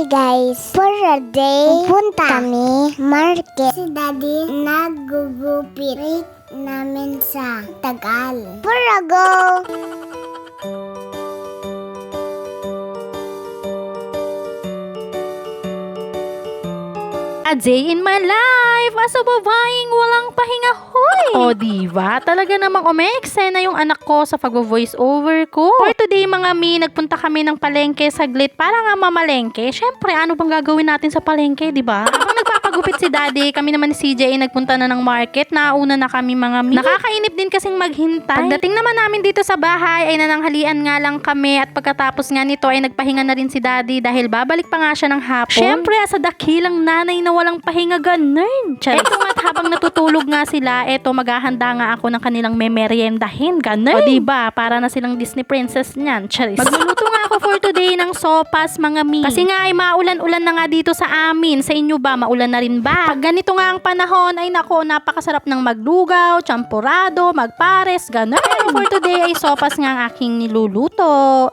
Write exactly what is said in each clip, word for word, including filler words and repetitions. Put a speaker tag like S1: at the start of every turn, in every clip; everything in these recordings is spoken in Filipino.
S1: Hi guys! For a day, pupunta kami market. Si Daddy naggugupit. Rate namin sa Tagal. For a go!
S2: A day in my life as a babaeng walang pahinga, hoy! O diba? Talaga namang umeeksena yung anak ko sa pag-voice over ko. For today mga mi, nagpunta kami ng palengke saglit para nga mamalengke. Syempre, ano bang gagawin natin sa palengke, diba? Habang nagpapagupit si Daddy, kami naman ni C J ay nagpunta na ng market. Nauna na kami mga mi. Nakakainip din kasing maghintay. Pagdating naman namin dito sa bahay ay nananghalian nga lang kami at pagkatapos nga nito ay nagpahinga na rin si Daddy dahil babalik pa nga siya ng hapon. Syempre, sa dakilang nanay na walang pahinga ganun. Eto nga't habang natutulog nga sila, eto maghahanda nga ako ng kanilang memeryendahin. Ganun. O diba, para na silang Disney princess niyan. Charis. Magluluto nga ako for today ng sopas mga mi. Kasi nga ay maulan-ulan na nga dito sa amin. Sa inyo ba, maulan na rin ba? Pag ganito nga ang panahon, ay nako, napakasarap ng maglugaw, champurado, magpares, ganun. Pero for today ay sopas nga ang aking niluluto.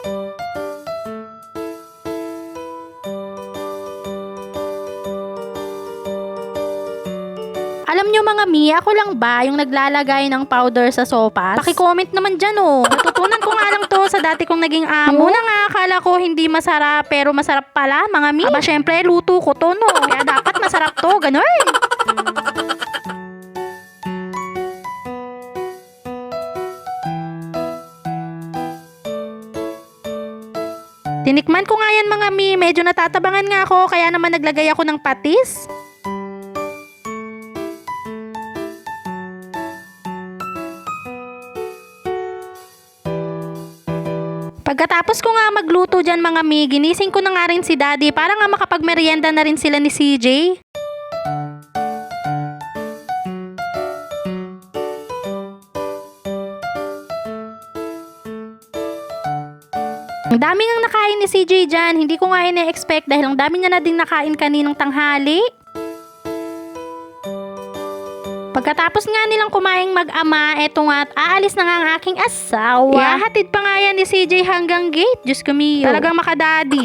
S2: Alam nyo mga mi, ako lang ba yung naglalagay ng powder sa sopas? Paki-comment naman dyan oh. Natutunan ko nga lang to sa dati kong naging amo. Una nga akala ko hindi masarap pero masarap pala mga mi. Aba syempre luto ko to no. Kaya dapat masarap to, ganun. Tinikman ko nga yan mga mi, medyo natatabangan nga ako kaya naman naglagay ako ng patis. Pagkatapos ko nga magluto dyan mga mi, ginising ko na nga rin si Daddy para nga makapagmerienda na rin sila ni C J. Ang dami ngang nakain ni C J dyan, hindi ko nga ina-expect dahil ang dami niya na din nakain kaninang tanghali. Pagkatapos nga nilang kumaing mag-ama, eto nga at aalis na nga ang aking asawa. Ihahatid pa nga yan ni C J hanggang gate. Diyos ko miyo. Talagang makadadi.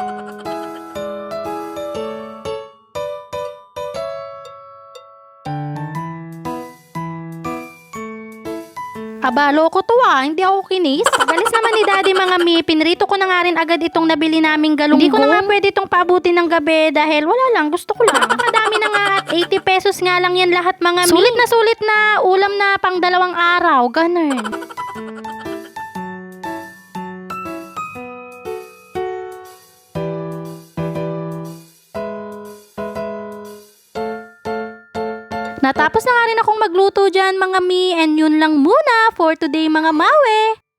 S2: Aba, loko to ah. Hindi ako kinis. Pagalis naman ni Daddy mga mi, pinrito ko na nga rin agad itong nabili naming galunggong. Hindi ko na nga pwede itong paabutin ng gabi dahil wala lang, gusto ko lang. Napakadami na nga at eighty pesos nga lang yan lahat mga mi. Sulit na sulit na ulam na pang dalawang araw. Ganun. Natapos na nga rin akong magluto dyan mga mi, and yun lang muna for today mga mawe.